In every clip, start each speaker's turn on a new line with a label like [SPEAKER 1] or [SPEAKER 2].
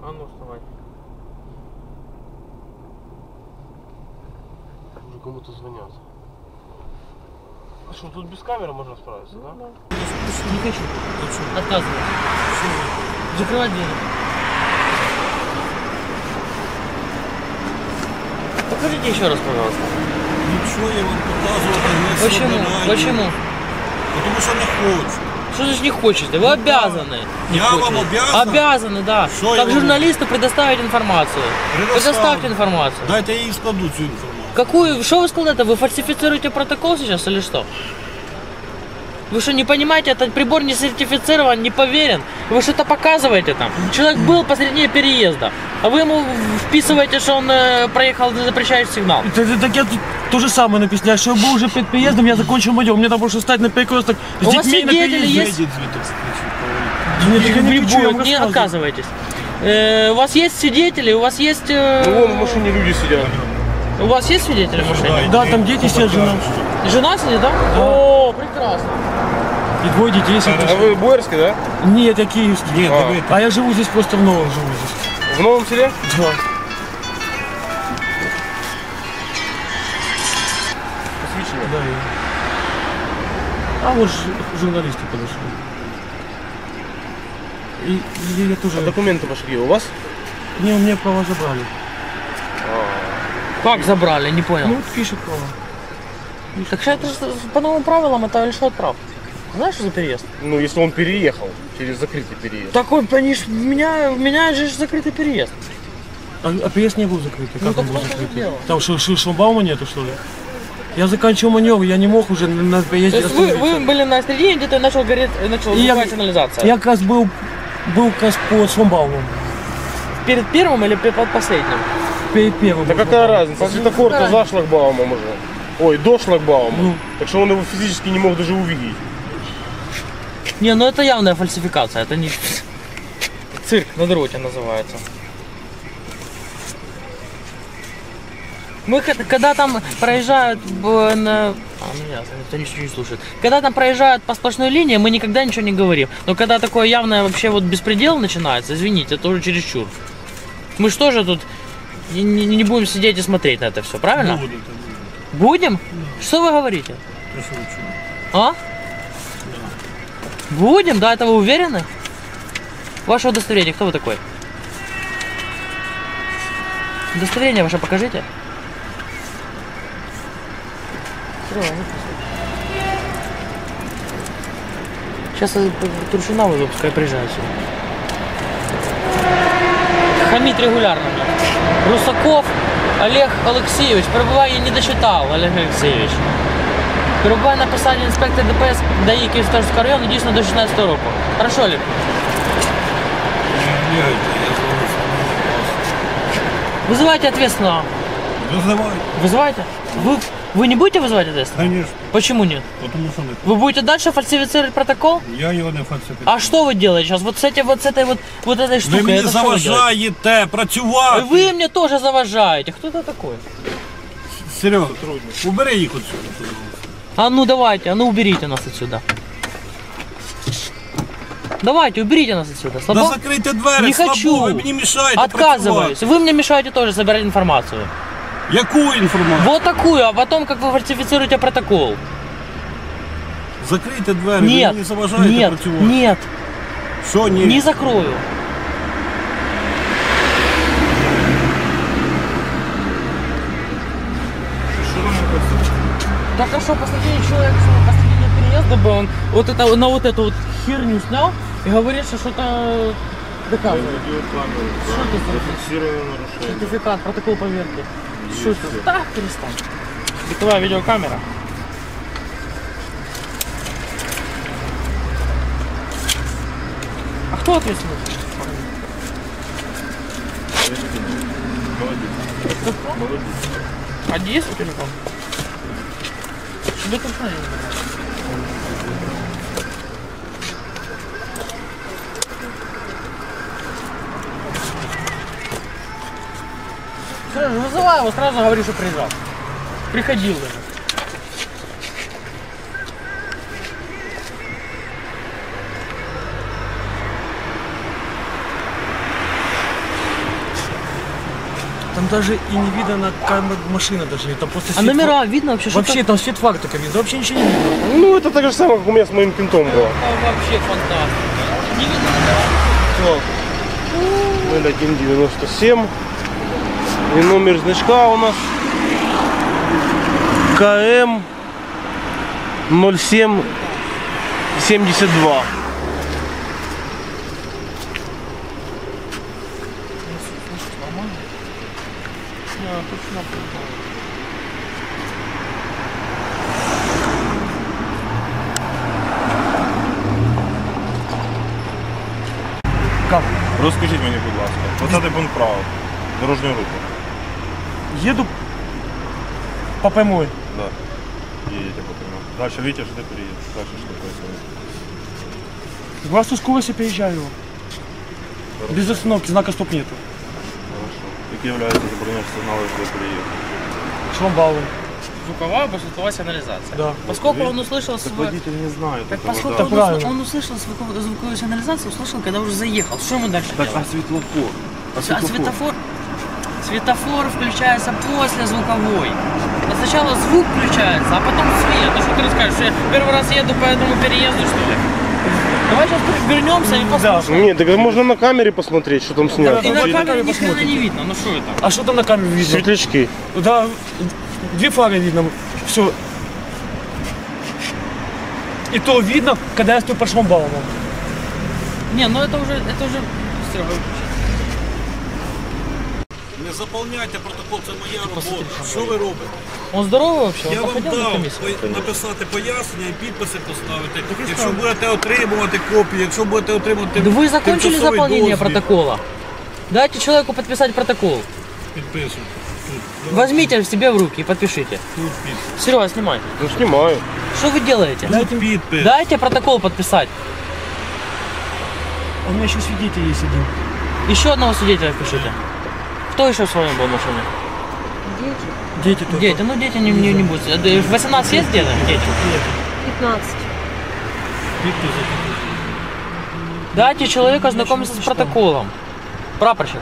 [SPEAKER 1] А ну вставай.
[SPEAKER 2] Уже кому-то звонят. А что, тут без камеры можно справиться, да?
[SPEAKER 1] Не хочу. Отказывай. Закрывай дверь. Покажите еще раз, пожалуйста.
[SPEAKER 3] Ничего я вам показывать не
[SPEAKER 1] Почему? Почему?
[SPEAKER 3] Потому что не хочу.
[SPEAKER 1] Что значит не хочете? Вы обязаны. Не
[SPEAKER 3] Я вам
[SPEAKER 1] хочете.
[SPEAKER 3] обязан?
[SPEAKER 1] Обязаны, да.
[SPEAKER 3] Что я
[SPEAKER 1] Как
[SPEAKER 3] вам-
[SPEAKER 1] журналисту предоставить информацию. Предоставьте информацию.
[SPEAKER 3] Дайте я їй складу цю інформацію.
[SPEAKER 1] Какую? Что вы сказали? Вы фальсифицируете протокол сейчас или что? Вы что, не понимаете, этот прибор не сертифицирован, не поверен? Вы что-то показываете там? Человек был посреди переезда, а вы ему вписываете, что он проехал запрещающий сигнал.
[SPEAKER 2] Так я тут то же самое написано. Я что был уже перед переездом, я закончил модел. Мне надо было стать на перекресток с
[SPEAKER 1] У вас
[SPEAKER 2] детьми на
[SPEAKER 1] свидетели
[SPEAKER 2] переезде.
[SPEAKER 1] есть?
[SPEAKER 2] Нет, я не кричу, я
[SPEAKER 1] Не
[SPEAKER 2] рассказываю.
[SPEAKER 1] отказывайтесь. У вас есть свидетели, у вас есть...
[SPEAKER 2] Вон в машине люди сидят.
[SPEAKER 1] У вас есть свидетели в машине?
[SPEAKER 2] Да, там дети сидят, жена.
[SPEAKER 1] Жена сидит, да? О, прекрасно.
[SPEAKER 2] И двое детей сидят.
[SPEAKER 4] А вы Боярский, да?
[SPEAKER 2] Нет, я киевский.
[SPEAKER 3] Ні, диви.
[SPEAKER 2] А я живу здесь просто в Новом живу здесь.
[SPEAKER 4] В Новом селе?
[SPEAKER 2] Да.
[SPEAKER 4] Посвящение.
[SPEAKER 2] Да, а вот журналисты подошли. И я тоже...
[SPEAKER 4] А документы ваши где? У вас?
[SPEAKER 2] Не, у меня права забрали.
[SPEAKER 1] Как забрали, не понял.
[SPEAKER 2] Ну, вот пишет права.
[SPEAKER 1] Так что это же по новым правилам это лишает прав. Знаешь, что за переезд?
[SPEAKER 4] Ну, если он переехал через закрытый переезд.
[SPEAKER 1] Такой, они ж, меня же закрытый переезд.
[SPEAKER 2] А переезд не был закрытый.
[SPEAKER 1] Ну,
[SPEAKER 2] Как он
[SPEAKER 1] так
[SPEAKER 2] был
[SPEAKER 1] в том-то и
[SPEAKER 2] закрытый?
[SPEAKER 1] дело.
[SPEAKER 2] Там шлагбаума нету, что ли? Я заканчивал маневр, я не мог уже на
[SPEAKER 1] То
[SPEAKER 2] переезде
[SPEAKER 1] есть вы
[SPEAKER 2] остановиться.
[SPEAKER 1] были на середине, где-то начал гореть, начала
[SPEAKER 2] И я-
[SPEAKER 1] закрывать сигнализация.
[SPEAKER 2] Я как раз был как раз по шлагбауму.
[SPEAKER 1] Перед первым или под последним?
[SPEAKER 2] Перед первым.
[SPEAKER 4] Да
[SPEAKER 2] был
[SPEAKER 4] какая
[SPEAKER 2] шлагбаум.
[SPEAKER 4] разница? Светофор-то за шлагбаумом уже. Ой, до шлагбаума.
[SPEAKER 2] Ну.
[SPEAKER 4] Так что он его физически не мог даже увидеть.
[SPEAKER 1] Не, ну это явная фальсификация, это не... Цирк на дроте называется. Мы когда там проезжают на... ну ясно, никто ничего не слушает. Когда там проезжают по сплошной линии, мы никогда ничего не говорим. Но когда такое явное вообще вот беспредел начинается, извините, это уже чересчур. Мы что же тут не будем сидеть и смотреть на это все, правильно? Будем? Что вы говорите? А? Будем? Да, это вы уверены? Ваше удостоверение, кто вы такой? Удостоверение ваше покажите. Сейчас я Туршина вызову, пускай приезжает сюда. Хамит регулярно мне. Русаков Олег Алексеевич. Перебуває, я не дочитав, Олег Алексеевич. Перебуває на посаді інспектор ДПС ДАІ Київського району дійсно до 16 року. Хорошо, Олег? Вызывайте ответственного.
[SPEAKER 3] Вызывай.
[SPEAKER 1] Вызывайте. Вы не будете вызывать ответственного?
[SPEAKER 3] Конечно.
[SPEAKER 1] Почему нет?
[SPEAKER 3] Потому что нет.
[SPEAKER 1] Вы будете дальше фальсифицировать протокол?
[SPEAKER 3] Я його не фальсифікую.
[SPEAKER 1] А что вы делаете сейчас? Вот с этой вот этой
[SPEAKER 3] Ви
[SPEAKER 1] штукой?
[SPEAKER 3] мені
[SPEAKER 1] это что вы делаете?
[SPEAKER 3] заважаєте працювати.
[SPEAKER 1] Вы мне тоже заважаете. Кто это такой?
[SPEAKER 3] Серйозно, убери їх отсюди.
[SPEAKER 1] А ну давайте, а ну уберите нас отсюда. Давайте, уберите нас отсюда. Слабо?
[SPEAKER 3] Да закрийте двері,
[SPEAKER 1] Не
[SPEAKER 3] слабо,
[SPEAKER 1] хочу.
[SPEAKER 3] ви мені мішаєте
[SPEAKER 1] Отказываюсь. Вы мне мешаете тоже собирать информацию.
[SPEAKER 3] Яку інформацію?
[SPEAKER 1] Вот такую, а потом как вы фальсифицируете протокол.
[SPEAKER 3] Закрийте двері, ви
[SPEAKER 1] Нет,
[SPEAKER 3] мені заважаєте
[SPEAKER 1] нет,
[SPEAKER 3] працювати.
[SPEAKER 1] нет,
[SPEAKER 3] Що ні?
[SPEAKER 1] не закрою. Так а что, посмотрите, человек посредине переезда был, он вот это, на вот эту вот херню снял и говорит, что что-то доказывает. Что это за сертификат, протокол поверки? Что это? Да, перестань. Бытовая видеокамера. А кто ответственный? Молодец. А где есть телефон? Тебе тут надо. Вызывай его, сразу говори, что приезжал. Приходил даже.
[SPEAKER 2] Там даже и не видно на камеру машина даже, там просто
[SPEAKER 1] А
[SPEAKER 2] свет
[SPEAKER 1] номера видно вообще? Что
[SPEAKER 2] вообще там свет фар только видно, вообще ничего не видно.
[SPEAKER 4] Ну, это так же самое, как у меня с моим кентом было.
[SPEAKER 1] Вообще фантастика. Не видно номера.
[SPEAKER 4] Так. 0197. И номер значка у нас КМ 0772.
[SPEAKER 2] Как?
[SPEAKER 5] Розкажіть мені, будь ласка, 20 пункт правил дорожнього руху.
[SPEAKER 2] Еду по прямой.
[SPEAKER 5] Да. Їдете по прямому. Дальше видите, що ти переїдеш. Дальше що происходит.
[SPEAKER 2] Глазу скорости переезжаю его. Без остановки, знака стоп нету.
[SPEAKER 5] Хорошо. Які являються забороняючі сигнали, що ви переїдете?
[SPEAKER 2] Шламбаум.
[SPEAKER 1] Звуковая посветовая сигнализация.
[SPEAKER 2] Да.
[SPEAKER 1] Поскольку он услышал
[SPEAKER 5] Так
[SPEAKER 1] свой...
[SPEAKER 5] водитель не знає.
[SPEAKER 1] Так
[SPEAKER 5] такого,
[SPEAKER 1] поскольку
[SPEAKER 5] да.
[SPEAKER 2] Так правильно.
[SPEAKER 1] он услышал звуковую сигнализацию, услышал, когда уже заехал. Что ему дальше
[SPEAKER 5] Так,
[SPEAKER 1] делать?
[SPEAKER 5] а світлофор?
[SPEAKER 1] А светофор? Светофор включается после звуковой. Сначала звук включается, а потом свет. Ну что ты расскажешь, что я первый раз еду по этому переезду, что ли? Давай сейчас вернемся и послушаем.
[SPEAKER 4] Нет, так можно на камере посмотреть, что там снято.
[SPEAKER 1] И на
[SPEAKER 2] Давайте
[SPEAKER 1] камере
[SPEAKER 2] на
[SPEAKER 1] ни хрена
[SPEAKER 2] посмотрим.
[SPEAKER 1] не видно, ну что это?
[SPEAKER 2] А что там на камере видно?
[SPEAKER 4] Светлячки.
[SPEAKER 2] Да, две фары видно. Все. И то видно, когда я стою по шламбауму.
[SPEAKER 1] Не, ну это уже все.
[SPEAKER 3] Не заповняйте протокол, це моя робота. Що ви робите?
[SPEAKER 1] Он здоровый вообще?
[SPEAKER 3] Я
[SPEAKER 1] Он
[SPEAKER 3] вам
[SPEAKER 1] походил на
[SPEAKER 3] дав
[SPEAKER 1] комиссию?
[SPEAKER 3] написати пояснення і підписи поставити. Якщо будете отримувати копії, якщо будете отримувати
[SPEAKER 1] Да вы закончили
[SPEAKER 3] тимчасовий
[SPEAKER 1] заполнение
[SPEAKER 3] дозвіл,
[SPEAKER 1] протокола? Дайте человеку подписать протокол.
[SPEAKER 3] підписуйте.
[SPEAKER 1] Возьмите себе в руки и подпишите.
[SPEAKER 3] Тут підпис.
[SPEAKER 1] Серега, снимай.
[SPEAKER 4] Ну, снимаю.
[SPEAKER 1] Что вы делаете?
[SPEAKER 3] Тут підпис.
[SPEAKER 1] Дайте протокол подписать.
[SPEAKER 2] У меня еще свидетель есть один.
[SPEAKER 1] Еще одного свидетеля пишите. Кто еще с вами был в машине?
[SPEAKER 2] Дети только.
[SPEAKER 1] Дети, ну дети не будут. 18 есть дети? Дети.
[SPEAKER 6] 15.
[SPEAKER 1] Дайте человеку ознакомиться с протоколом. Прапорщик.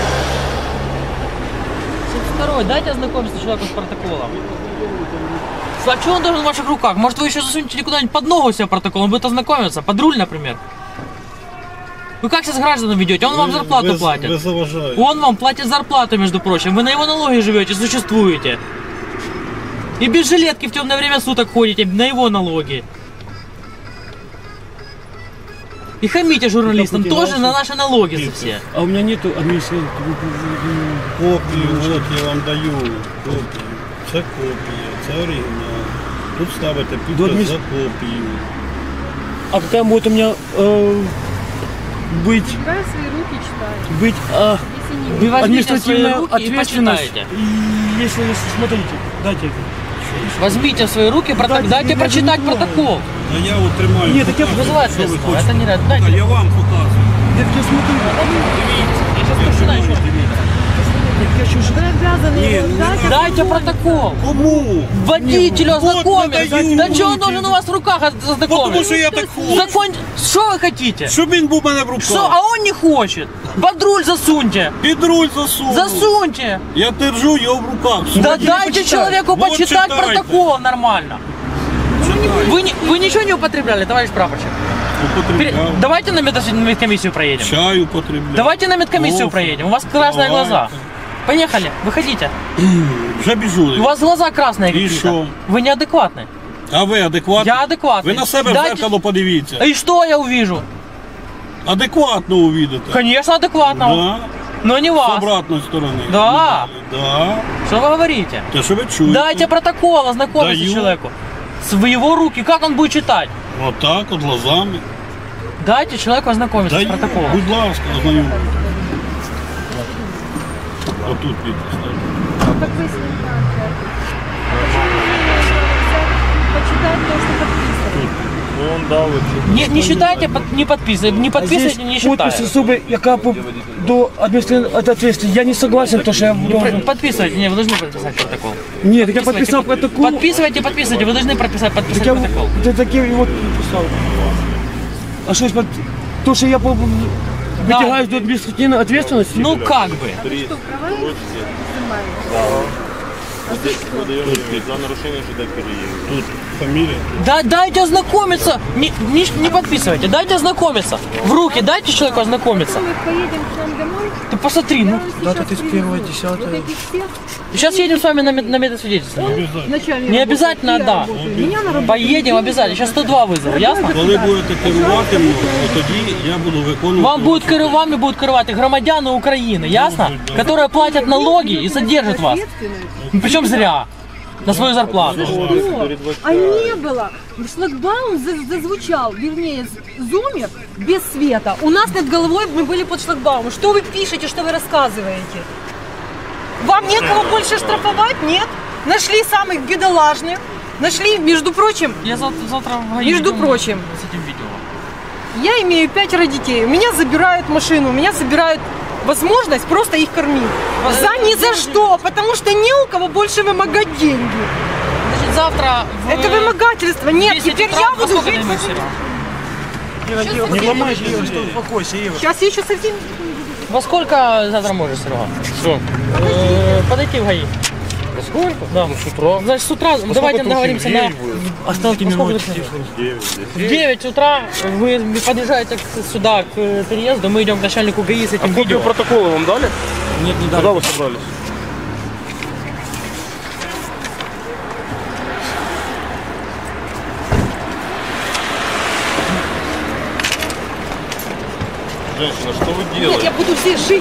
[SPEAKER 1] 72-й, дайте ознакомиться человеку с протоколом. А что он должен в ваших руках? Может, вы еще засунете куда-нибудь под ногу себе протокол, он будет ознакомиться, под руль, например. Вы как сейчас гражданам ведете? Он вам зарплату
[SPEAKER 3] Ви
[SPEAKER 1] платит.
[SPEAKER 3] заважаєте.
[SPEAKER 1] Он вам платит зарплату, между прочим. Вы на его налоги живете, существуете. И без жилетки в темное время суток ходите на его налоги. И хамите журналистам
[SPEAKER 2] Как у тебя
[SPEAKER 1] тоже
[SPEAKER 2] ваши?
[SPEAKER 1] на наши налоги за все.
[SPEAKER 2] А у меня нету административного.
[SPEAKER 3] Копію, от я вам даю копію. Це копія, це оригінал. Тут ставите підпис за копію.
[SPEAKER 2] А какая будет у меня быть
[SPEAKER 6] Убирай свои руки, читай.
[SPEAKER 2] быть
[SPEAKER 6] Если не
[SPEAKER 1] Вы возьмите свои
[SPEAKER 2] административная
[SPEAKER 1] руки и
[SPEAKER 2] ответственность?
[SPEAKER 1] почитайте.
[SPEAKER 2] И если смотрите, дайте.
[SPEAKER 1] Возьмите в свои руки, дайте
[SPEAKER 2] я
[SPEAKER 1] прочитать
[SPEAKER 2] не знаю.
[SPEAKER 1] протокол.
[SPEAKER 3] А я от тримаю.
[SPEAKER 2] Ні, так я
[SPEAKER 3] показую,
[SPEAKER 1] Вызывает
[SPEAKER 3] що ви
[SPEAKER 1] следствие,
[SPEAKER 3] хочете.
[SPEAKER 1] это не рад.
[SPEAKER 3] А
[SPEAKER 1] Дайте.
[SPEAKER 3] я вам показую.
[SPEAKER 2] Так я смотрю,
[SPEAKER 1] Я сейчас прочитаю еще.
[SPEAKER 2] я еще
[SPEAKER 6] вы обязаны
[SPEAKER 3] Не,
[SPEAKER 6] его
[SPEAKER 3] ну не
[SPEAKER 6] дать.
[SPEAKER 3] надо.
[SPEAKER 1] Дайте протокол.
[SPEAKER 3] Кому?
[SPEAKER 1] Водителю
[SPEAKER 3] вот
[SPEAKER 1] ознакомиться.
[SPEAKER 3] надаю.
[SPEAKER 1] Да что он должен у вас в руках
[SPEAKER 3] Тому
[SPEAKER 1] ознакомиться?
[SPEAKER 3] що я так хочу.
[SPEAKER 1] Закон... Что вы хотите?
[SPEAKER 3] Щоб він був у мене в руках.
[SPEAKER 1] Что? А он не хочет. Под руль засуньте.
[SPEAKER 3] Під руль засунув.
[SPEAKER 1] Засуньте.
[SPEAKER 3] Я держу його в руках.
[SPEAKER 1] Да
[SPEAKER 3] Сьогодні
[SPEAKER 1] дайте
[SPEAKER 3] почитай.
[SPEAKER 1] человеку
[SPEAKER 3] Вот
[SPEAKER 1] почитать
[SPEAKER 3] читайте.
[SPEAKER 1] протокол нормально.
[SPEAKER 3] Читай.
[SPEAKER 1] Вы ничего не употребляли, товарищ прапорщик?
[SPEAKER 3] Употребляв.
[SPEAKER 1] Давайте на медкомиссию проедем.
[SPEAKER 3] Чай употребляв.
[SPEAKER 1] Давайте на медкомиссию
[SPEAKER 3] Кофе.
[SPEAKER 1] проедем. У вас красные
[SPEAKER 3] Давайте.
[SPEAKER 1] глаза. Поехали, выходите.
[SPEAKER 3] Вже біжу.
[SPEAKER 1] У вас глаза красные какие-то.
[SPEAKER 3] что?
[SPEAKER 1] Вы неадекватны.
[SPEAKER 3] А ви адекватні?
[SPEAKER 1] Я адекватный.
[SPEAKER 3] Ви на себе в
[SPEAKER 1] Дайте-
[SPEAKER 3] зеркало подивіться.
[SPEAKER 1] И что я увижу?
[SPEAKER 3] Адекватно увидите.
[SPEAKER 1] Конечно, адекватного.
[SPEAKER 3] Да.
[SPEAKER 1] Но не
[SPEAKER 3] З
[SPEAKER 1] вас.
[SPEAKER 3] обратної сторони.
[SPEAKER 1] Да.
[SPEAKER 3] Да.
[SPEAKER 1] Что вы говорите?
[SPEAKER 3] Те, що ви чуєте.
[SPEAKER 1] Дайте протокол, ознакомиться
[SPEAKER 3] Даю.
[SPEAKER 1] человеку. В его руки, как он будет читать?
[SPEAKER 3] Отак, от глазами.
[SPEAKER 1] Дайте человеку ознакомиться
[SPEAKER 3] Даю.
[SPEAKER 1] с протоколом.
[SPEAKER 3] Будь ласка, ознайомлюсь. Отут підпис.
[SPEAKER 6] Как вы с ним почитать то, что подписано.
[SPEAKER 5] Ну, он дав
[SPEAKER 1] Не считайте, не подписывайте, не подписывайте, не
[SPEAKER 2] подпись
[SPEAKER 1] считайте.
[SPEAKER 2] особой, яка до административной ответственности. Я не согласен, то, что я должен.
[SPEAKER 1] Подписывайте, не, вы должны подписать протокол.
[SPEAKER 2] Нет, так я подписал протокол.
[SPEAKER 1] Подписывайте, вы должны подписать
[SPEAKER 2] Так я
[SPEAKER 1] протокол.
[SPEAKER 2] ты такие вот подписал. А что, то, что я притягаешь до административной ответственности?
[SPEAKER 1] Ну как бы.
[SPEAKER 6] Что, права снимаешь?
[SPEAKER 5] За нарушение ЖД переезда.
[SPEAKER 3] Тут фамилия.
[SPEAKER 1] Да, дайте ознакомиться. Не подписывайте, дайте ознакомиться. В руки дайте человеку ознакомиться.
[SPEAKER 6] Мы поедем к нам домой.
[SPEAKER 1] Ты посмотри, ну.
[SPEAKER 2] Дата 31.10.
[SPEAKER 6] Вот этих всех.
[SPEAKER 1] Сейчас едем с вами на медосвидетельство.
[SPEAKER 6] Начальник
[SPEAKER 1] Не обязательно,
[SPEAKER 6] работает,
[SPEAKER 1] да.
[SPEAKER 6] я работаю. Меня на работу.
[SPEAKER 1] Поедем обязательно. Сейчас 102 вызову, ясно?
[SPEAKER 3] Коли будете керувати мною, то тоді я буду виконувати.
[SPEAKER 1] Вами будут керувати громадяни України, ясно? Которые платят налоги и содержат вас. Ну, причем зря. На свою зарплату.
[SPEAKER 6] А не было. Шлагбаум зазвучал, вернее, зумер без света. У нас над головой мы были под шлагбаумом. Что вы пишете, что вы рассказываете? Вам некого больше штрафовать? Нет? Нашли самых бедолажных. Нашли, между прочим,
[SPEAKER 1] Я завтра в ГАИ
[SPEAKER 6] Между
[SPEAKER 1] иду
[SPEAKER 6] прочим.
[SPEAKER 1] с этим видео.
[SPEAKER 6] я имею 5 детей. У меня забирают машину, у меня забирают возможность просто их кормить. Ни за что, потому что не у кого больше вымогать деньги.
[SPEAKER 1] Значит, завтра в
[SPEAKER 6] Это вымогательство. Нет,
[SPEAKER 1] 10
[SPEAKER 6] теперь
[SPEAKER 1] утра
[SPEAKER 6] я
[SPEAKER 1] во
[SPEAKER 6] буду
[SPEAKER 1] сколько
[SPEAKER 6] жить.
[SPEAKER 1] дойдем, Серега?
[SPEAKER 2] Не ломайте ее, успокойся, Ира.
[SPEAKER 6] Сейчас я еще совсем...
[SPEAKER 1] Во сколько завтра можешь, Серега?
[SPEAKER 4] Что?
[SPEAKER 1] Подойти в ГАИ.
[SPEAKER 4] Во сколько?
[SPEAKER 1] Да.
[SPEAKER 4] С утра.
[SPEAKER 1] Значит, с утра давайте
[SPEAKER 4] это
[SPEAKER 1] договоримся
[SPEAKER 4] вообще
[SPEAKER 1] на...
[SPEAKER 4] в 9 будет?
[SPEAKER 2] Оставьте
[SPEAKER 1] Во сколько
[SPEAKER 2] минуту.
[SPEAKER 1] ты приедешь?
[SPEAKER 5] 9
[SPEAKER 1] В 9 утра вы подъезжаете сюда, к переезду, мы идем к начальнику ГАИ с
[SPEAKER 4] А
[SPEAKER 1] этим
[SPEAKER 4] копию
[SPEAKER 1] видео.
[SPEAKER 4] протокола вам дали?
[SPEAKER 2] Нет, не
[SPEAKER 4] Когда
[SPEAKER 2] дали.
[SPEAKER 4] вы собрались?
[SPEAKER 5] Женщина, что вы
[SPEAKER 6] Нет,
[SPEAKER 5] делаете?
[SPEAKER 6] я буду здесь жить.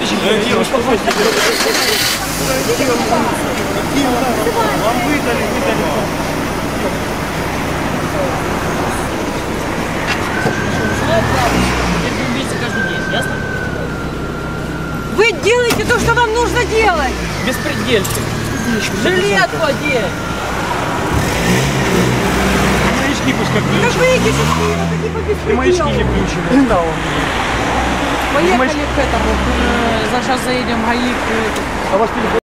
[SPEAKER 1] Это убийца каждый день, ясно?
[SPEAKER 6] Вы делаете то, что вам нужно делать.
[SPEAKER 1] Беспредельщик. Жилетку одеть.
[SPEAKER 2] Маячки пускай
[SPEAKER 6] Как
[SPEAKER 2] включат.
[SPEAKER 6] выйдете с Киева, так и по
[SPEAKER 2] И маячки не
[SPEAKER 6] беспределу.
[SPEAKER 2] включены.
[SPEAKER 6] Поехали к этому.
[SPEAKER 1] Сейчас заедем в ГАИ.
[SPEAKER 2] А вас